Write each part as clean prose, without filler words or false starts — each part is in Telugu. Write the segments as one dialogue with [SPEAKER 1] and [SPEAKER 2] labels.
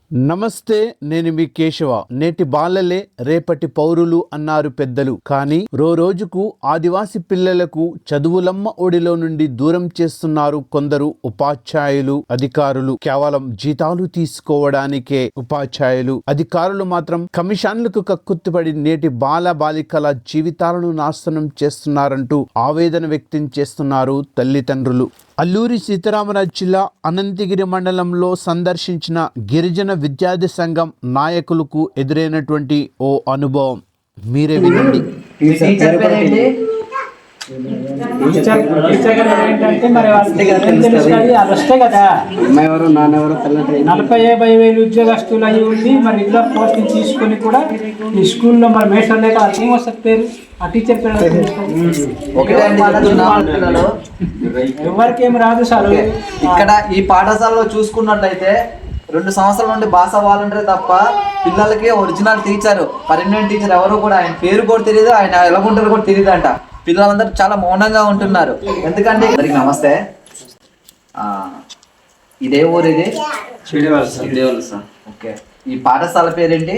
[SPEAKER 1] నమస్తే, నేను మీ కేశవ. నేటి బాలలే రేపటి పౌరులు అన్నారు పెద్దలు. కానీ రోజుకు ఆదివాసి పిల్లలకు చదువులమ్మ ఒడిలో నుండి దూరం చేస్తున్నారు కొందరు ఉపాధ్యాయులు, అధికారులు. కేవలం జీతాలు తీసుకోవడానికే ఉపాధ్యాయులు, అధికారులు మాత్రం కమిషన్లకు కక్కుర్తిపడి నేటి బాల బాలికల జీవితాలను నాశనం చేస్తున్నారంటూ ఆవేదన వ్యక్తం చేస్తున్నారు తల్లిదండ్రులు. అల్లూరి సీతారామరాజు జిల్లా అనంతగిరి మండలంలో సందర్శించిన గిరిజన విద్యార్థి సంఘం నాయకులకు ఎదురైనటువంటి ఓ అనుభవం మీరే వినండి.
[SPEAKER 2] కదా 40-50 వేలు ఉద్యోగస్తులు అయి ఉండి మరి రెగ్యులర్ పోస్టింగ్ తీసుకొని కూడా ఈ స్కూల్లో మరి మేస్టర్ లేక ఏం వస్తుంది పేరు ఆ టీచర్ పేరు ఎవరికి ఏమి రాదు సార్.
[SPEAKER 3] ఇక్కడ ఈ పాఠశాలలో చూసుకున్నట్లయితే 2 సంవత్సరాల నుండి భాష వాలంటీర్ తప్ప పిల్లలకి ఒరిజినల్ టీచర్, పర్మనెంట్ టీచర్ ఎవరు కూడా ఆయన పేరు కూడా తెలియదు, ఆయన ఎలా ఉంటారు కూడా తెలియదు అంట. పిల్లలందరూ చాలా మౌనంగా ఉంటున్నారు. ఎందుకంటే అందరికి నమస్తే. ఇదే ఊరు ఇది సార్. ఓకే, ఈ పాఠశాల పేరేంటి?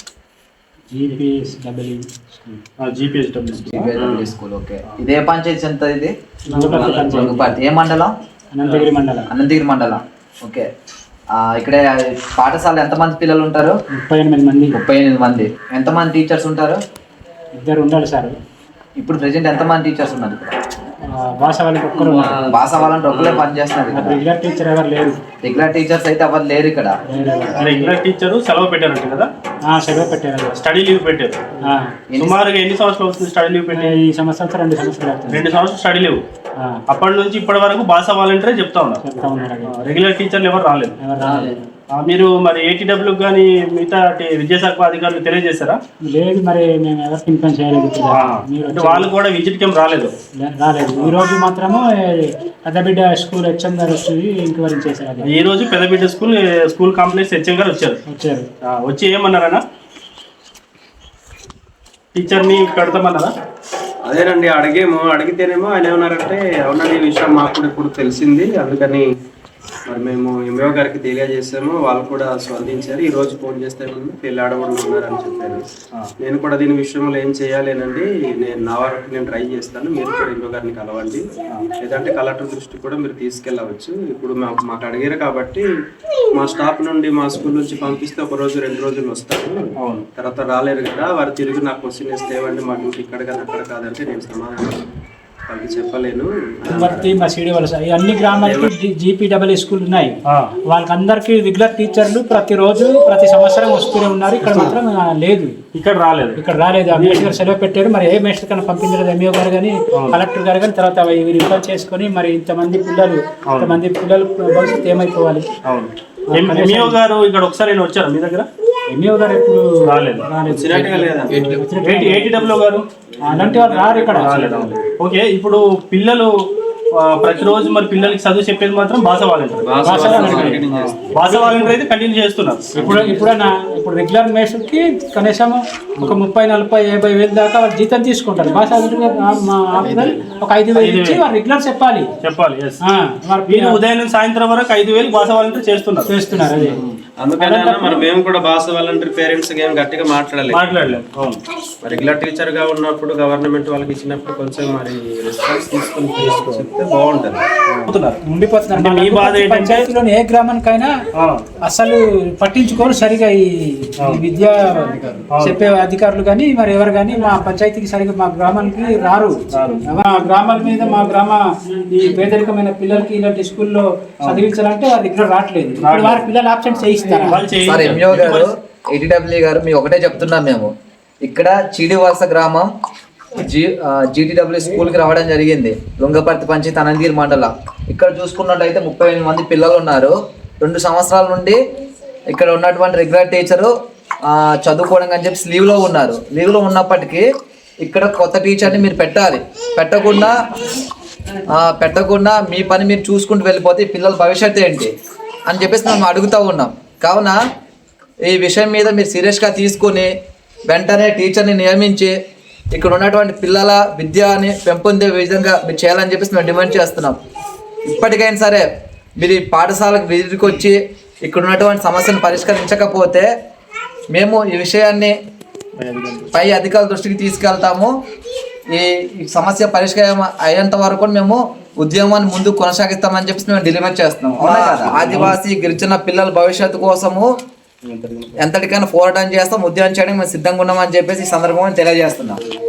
[SPEAKER 3] స్కూల్. ఓకే, ఇదే పంచాయతీ ఎంత ఇది? ఏ మండలం? అనంతగిరి మండలం. ఓకే, ఇక్కడ పాఠశాల ఎంతమంది పిల్లలు ఉంటారు? 38 మంది. ఎంతమంది టీచర్స్ ఉంటారు?
[SPEAKER 2] 2 ఉండాలి సార్.
[SPEAKER 3] ఇప్పుడు ప్రెసెంట్ ఎంతమంది టీచర్స్ ఉన్నారు?
[SPEAKER 2] భాష
[SPEAKER 3] వాళ్ళని ఒక్కరే పనిచేస్తున్నారు.
[SPEAKER 2] రెగ్యులర్ టీచర్ ఎవరు లేరు.
[SPEAKER 3] రెగ్యులర్ టీచర్స్ అయితే ఎవరు లేరు ఇక్కడ.
[SPEAKER 4] రెగ్యులర్ టీచర్ సెలవు పెట్టారంట కదా?
[SPEAKER 2] సెలవు పెట్టారు,
[SPEAKER 4] స్టడీ లీవ్ పెట్టారు. సుమారుగా ఎన్ని సంవత్సరాలు వస్తుంది స్టడీ లీవ్ పెట్టి?
[SPEAKER 2] ఈ సంవత్సరం 2 సంవత్సరాలు.
[SPEAKER 4] 2 సంవత్సరాలు స్టడీ లీవ్. అప్పటి నుంచి ఇప్పటి వరకు భాష వాలంటీరే చెప్తా ఉన్నారు. రెగ్యులర్ టీచర్లు ఎవరు రాలేదు. మీరు మరి ఏటీడబ్ల్యూ కానీ మిగతా విద్యాశాఖ అధికారులు తెలియజేశారా?
[SPEAKER 2] లేదు, మరి మేము ఎవరికి ఇన్ఫార్మ్ చేయలేదు.
[SPEAKER 4] వాళ్ళు కూడా విజిట్ కేం రాలేదు.
[SPEAKER 2] ఈ రోజు మాత్రము పెద్దబిడ్డ స్కూల్ హెచ్ఎం గారు వచ్చి ఎంక్వైరీ చేశారు.
[SPEAKER 4] ఈ రోజు పెద్దబిడ్డ స్కూల్ కాంప్లెక్స్ హెచ్ఎం గారు వచ్చారు. వచ్చి ఏమన్నారన్నా? టీచర్ని కడతామన్నారా?
[SPEAKER 5] అదేనండి, అడిగితేనేమో ఆయన ఏమన్నారంటే, అవునండి ఈ విషయం మాకు కూడా ఇప్పుడు తెలిసింది, అందుకని మరి మేము ఎంఓ గారికి తెలియజేసాము, వాళ్ళు కూడా స్పందించారు. ఈ రోజు ఫోన్ చేస్తే పెళ్లి ఆడవాళ్ళు ఉన్నారని చెప్పారు. నేను కూడా దీని విషయంలో ఏం చేయాలేనండి, నా వరకు నేను ట్రై చేస్తాను, మీరు కూడా ఎంఓ గారిని కలవండి, లేదంటే కలెక్టర్ దృష్టికి కూడా మీరు తీసుకెళ్ళవచ్చు. ఇప్పుడు మాకు అడిగారు కాబట్టి మా స్టాఫ్ నుండి మా స్కూల్ నుంచి పంపిస్తే 1 రోజు 2 రోజులు వస్తారు. తర్వాత రాలేరు కదా, వారు తిరిగి నాకు క్వశ్చన్ ఇస్తే ఏమండి మా డ్యూటీ ఇక్కడ కదా అక్కడ కాదంటే నేను సమాధానం వాళ్ళకి చెప్పలేను.
[SPEAKER 2] మా సిడి వలస అన్ని గ్రామాలకి జీపీడబ్ల్యూ స్కూల్ ఉన్నాయి. వాళ్ళకందరికి రెగ్యులర్ టీచర్లు ప్రతి సంవత్సరం వస్తూనే ఉన్నారు. ఇక్కడ మాత్రం లేదు, ఇక్కడ రాలేదు. ఆ మేస్టర్ గారు సెలవు పెట్టారు. మరి ఏ మేస్టర్ కన్నా పంపించలేదు ఎంఈఓ గారు కానీ కలెక్టర్ గారు కానీ. తర్వాత రిఫర్ చేసుకొని మరి ఇంతమంది పిల్లలు భవిష్యత్తు ఏమైపోవాలి?
[SPEAKER 4] ఎంఈఓ గారు ఇక్కడ ఒకసారి వచ్చారు మీ దగ్గర?
[SPEAKER 2] ఎంఈఓ గారు ఎప్పుడు
[SPEAKER 4] రాలేదు. ఏటీడబ్ల్యూ గారు
[SPEAKER 2] అలాంటి వాళ్ళు రారు ఇక్కడ.
[SPEAKER 4] ఓకే, ఇప్పుడు పిల్లలు ప్రతిరోజు మరి పిల్లలకి చదువు చెప్పేది మాత్రం భాష వాలంటీర్ అయితే కంటిన్యూ చేస్తున్నారు.
[SPEAKER 2] ఇప్పుడు రెగ్యులర్ మేస్టర్కి కనీసం ఒక 30-40-50 వేలు దాకా వాళ్ళు జీతం తీసుకుంటారు. భాష ఒక 5 వేలు ఇచ్చి వాళ్ళు రెగ్యులర్ చెప్పాలి.
[SPEAKER 4] ఉదయం నుంచి సాయంత్రం వరకు 5 వేలు భాష వాలంటీర్ చేస్తున్నారు.
[SPEAKER 2] అదే
[SPEAKER 5] అందుకని మరి మేము కూడా భాష వాలంటీర్ పేరెంట్స్ ఏం గట్టిగా మాట్లాడలేదు. రెగ్యులర్ టీచర్ గా ఉన్నప్పుడు గవర్నమెంట్ వాళ్ళకి ఇచ్చినప్పుడు కొంచెం మరి రెస్పాన్స్ తీసుకుని చెప్తే బాగుంటది.
[SPEAKER 2] పంచాయతీలోని ఏ గ్రామానికైనా అసలు పట్టించుకోరు సరిగా ఈ విద్యా చెప్పే అధికారులు కానీ మరి ఎవరు కానీ మా పంచాయతీకి సరిగా మా గ్రామానికి రారు. మా గ్రామాల మీద మా గ్రామ ఈ పేదరికమైన పిల్లలకి ఇలాంటి స్కూల్లో చదివించాలంటే వారి దగ్గర రావట్లేదు. వారి పిల్లలు ఆబ్సెంట్ చేయిస్తారు.
[SPEAKER 3] ఎంఈఓ గారు, ఏటీడబ్ల్యూ గారు, మేము ఒకటే చెప్తున్నాం. మేము ఇక్కడ చీడివలస గ్రామం జీటీడబ్ల్యూ స్కూల్కి రావడం జరిగింది. లుంగపర్తి పంచాయతీ అనంతగిరి మండలం. ఇక్కడ చూసుకున్నట్లయితే 38 మంది పిల్లలు ఉన్నారు. 2 సంవత్సరాల నుండి ఇక్కడ ఉన్నటువంటి రెగ్యులర్ టీచరు చదువుకోవడం అని చెప్పి లీవ్లో ఉన్నారు. లీవ్లో ఉన్నప్పటికీ ఇక్కడ కొత్త టీచర్ని మీరు పెట్టకుండా మీ పని మీరు చూసుకుంటూ వెళ్ళిపోతే పిల్లల భవిష్యత్తు ఏంటి అని చెప్పేసి మేము అడుగుతూ ఉన్నాం. కావున ఈ విషయం మీద మీరు సీరియస్గా తీసుకొని వెంటనే టీచర్ని నియమించి ఇక్కడ ఉన్నటువంటి పిల్లల విద్యని పెంపొందే విధంగా మీరు చేయాలని చెప్పేసి మేము డిమాండ్ చేస్తున్నాం. ఇప్పటికైనా సరే మీరు పాఠశాలకు విజిట్కి వచ్చి ఇక్కడ ఉన్నటువంటి సమస్యను పరిష్కరించకపోతే మేము ఈ విషయాన్ని పై అధికారుల దృష్టికి తీసుకెళ్తాము. ఈ సమస్య పరిష్కారం అయ్యేంత వరకు మేము ఉద్యమాన్ని ముందుకు కొనసాగిస్తామని చెప్పి మేము డెలివర్ చేస్తున్నాం. ఆదివాసీ గిరిజన పిల్లల భవిష్యత్తు కోసము ఎంతటికైనా పోరాటం చేస్తాం, ఉద్యమం చేయడానికి మేము సిద్ధంగా ఉన్నామని చెప్పేసి ఈ సందర్భంగా తెలియజేస్తున్నాం.